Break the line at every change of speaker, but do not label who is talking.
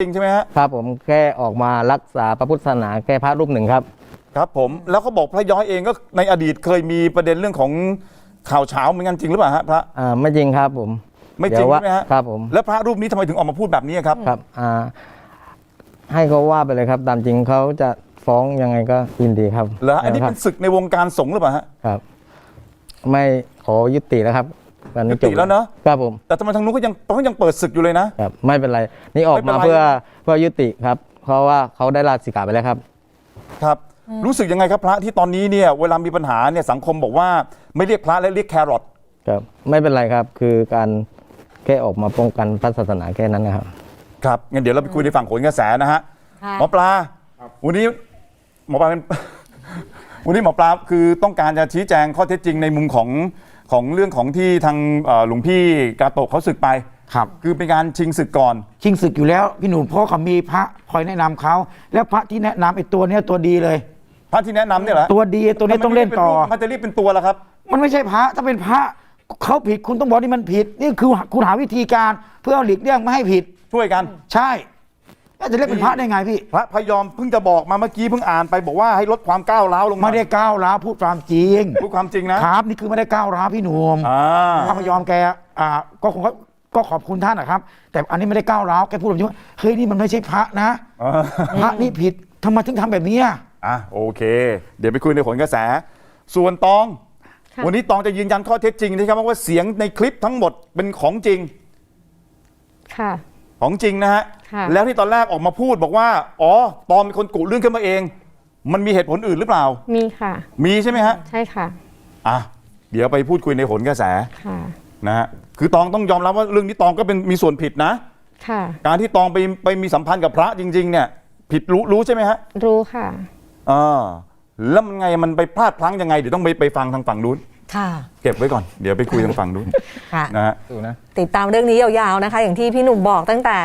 จริงใช่ไหมฮะ
ครับผมแค่ออกมารักษาพระพุทธศาสนาแค่พระรูปหนึ่งครับ
ครับผมแล้วเขาบอกพระย้อยเองก็ในอดีตเคยมีประเด็นเรื่องของข่าวเช้าเหมือนกันจริงหรือเปล่าฮะพระ
ไม่จริงครับผม
ไม่จริงใช่ไหมฮะ
ครับผม
แล้วพระรูปนี้ทำไมถึงออกมาพูดแบบนี้ครับ
ครับให้เขาว่าไปเลยครับตามจริงเขาจะฟ้องยังไงก็ยินดีครับ
เหรออันนี้เป็นศึกในวงการสงฆ์หรือเปล่าฮะ
ครับไม่ขอยุติแล้วครับวันนี้
ยุติแล้วเนอะ
ครับผม
แต่ทำไมทางนู้นก็ยังเปิดศึกอยู่เลยนะครับ
ไม่เป็นไรนี่ออกมาเพื่อยุติครับเพราะว่าเขาได้ลาสิกขาไปแล้วครับ
ครับรู้สึกยังไงครับพระที่ตอนนี้เนี่ยเวลามีปัญหาเนี่ยสังคมบอกว่าไม่เรียกพระและเรียกแครอท
ครับไม่เป็นไรครับคือการแค่ออกมาป้องกันพระศาสนาแค่นั้นนะครับ
ครับงั้นเดี๋ยวเราไปคุยในฝั่งโหนกระแสนะฮะหมอปลาวันนี้หมอปลาเป็น วันนี้หมอปลาคือต้องการจะชี้แจงข้อเท็จจริงในมุมของเรื่องของที่ทางหลวงพี่กาโตะเขาศึกไป
ครับ
คือเป็นการชิงศึกก่อน
ชิงศึกอยู่แล้วพี่หนุ่มเพราะเขามีพระคอยแนะนำเขาแล้วพระที่แนะนำไอ้ตัวเนี้ยตัวดีเลย
พระที่แนะนำเนี่ยเหรอ
ตัวดีตัวนี้ต้องเล่นต่อ
มันจะรีบเป็นตัวแล้วครับ
มันไม่ใช่พระถ้าเป็นพระเขาผิดคุณต้องบอกนี่มันผิดนี่คือคุณหาวิธีการเพื่อหลีกเลี่ยงไม่ให้ผิด
ช่วยกัน
ใช่แล้วจะเรียกเป็นพระได้ไงพี่
พระพยอมเพิ่งจะบอกมาเมื่อกี้เพิ่งอ่านไปบอกว่าให้ลดความก้าวร้าวลง
ไม่ได้ก้าวร้าวพูดความจริง
พูดความจริงนะครับ
นี่คือไม่ได้ก้าวร้าวพี่หนุ่มพระพยอมแกก็ขอบคุณท่านนะครับแต่อันนี้ไม่ได้ก้าวร้าวแกพูดแบบนี้ว่าเฮ้ยนี่มันไม่ใช่พระนะพระนี่ผิดทำไมถึงทำแบบนี้
โอเคเดี๋ยวไปคุยในผลกระแสส่วนตองวันนี้ตองจะยืนยันข้อเท็จจริงนะครับว่าเสียงในคลิปทั้งหมดเป็นของจริง
ค่ะ
ของจริงนะฮะแล้วที่ตอนแรกออกมาพูดบอกว่าอ๋อตองเป็นคนกุเรื่องขึ้นมาเองมันมีเหตุผลอื่นหรือเปล่า
มีค่ะ
มีใช่ไหมฮะ
ใช่ค่ะ
เดี๋ยวไปพูดคุยในผลกระแส
ค่ะ
นะฮะคือตองต้องยอมรับว่าเรื่องนี้ตองก็เป็นมีส่วนผิดนะ
ค่ะ
การที่ตองไปมีสัมพันธ์กับพระจริงๆเนี่ยผิดรู้ใช่ไหมฮะ
รู้ค่ะ
แล้วมันไงมันไปพลาดพลั้งยังไงเดี๋ยวต้องไปฟังทางฝั่งนู้น
ค่ะ
เก็บไว้ก่อนเดี๋ยวไปคุยทางฝั่งนู้น
ค่ะ
นะฮะ
ติดตามเรื่องนี้ยาวๆนะคะอย่างที่พี่หนุ่มบอกตั้งแต่